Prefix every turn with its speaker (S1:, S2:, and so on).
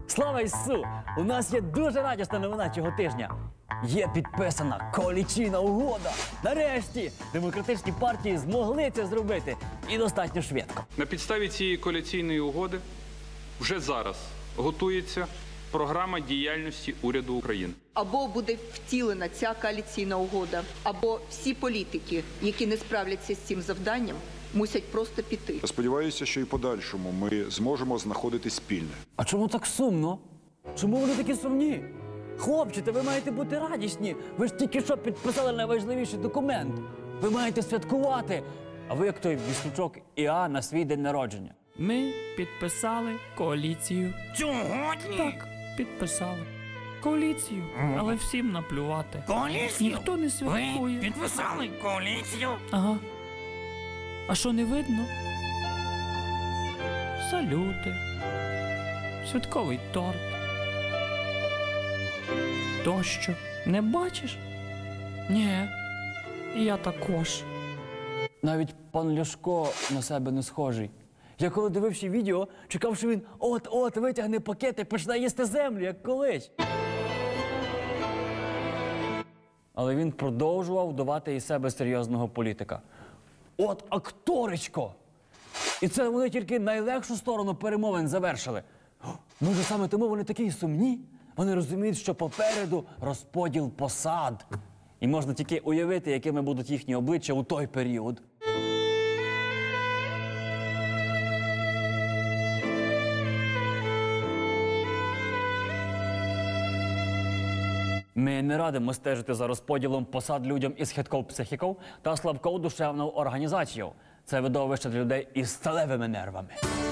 S1: Слава Ісусу! У нас є дуже радісна новина цього тижня. Є підписана коаліційна угода. Нарешті демократичні партії змогли це зробити. І достатньо швидко.
S2: На підставі цієї коаліційної угоди вже зараз готується програма діяльності уряду України.
S3: Або буде втілена ця коаліційна угода, або всі політики, які не справляться з цим завданням, мусять просто піти.
S4: Сподіваюся, що і подальшому ми зможемо знаходити спільне.
S1: А чому так сумно? Чому вони такі сумні? Хлопці, та ви маєте бути радісні. Ви ж тільки що підписали найважливіший документ. Ви маєте святкувати. А ви як той Віслючок Іа на свій день народження.
S5: Ми підписали коаліцію.
S6: Сьогодні?
S5: Так, підписали. Коаліцію, але всім наплювати.
S6: Коаліцію?
S5: Ніхто не святкує.
S6: Ви підписали коаліцію?
S5: Ага. А що не видно? Салюти. Святковий торт. Тощо. Не бачиш? Ні. І я також.
S1: Навіть пан Ляшко на себе не схожий. Я коли дивився відео, чекав, що він от-от витягне пакет і почне їсти землю, як колись. Але він продовжував вдавати із себе серйозного політика. От акторичко! І це вони тільки найлегшу сторону перемовин завершили. Може, саме тому вони такі сумні? Вони розуміють, що попереду розподіл посад. І можна тільки уявити, якими будуть їхні обличчя у той період. Ми не радимо стежити за розподілом посад людям із хиткою психікою та слабкою душевною організацією. Це видовище для людей із сталевими нервами.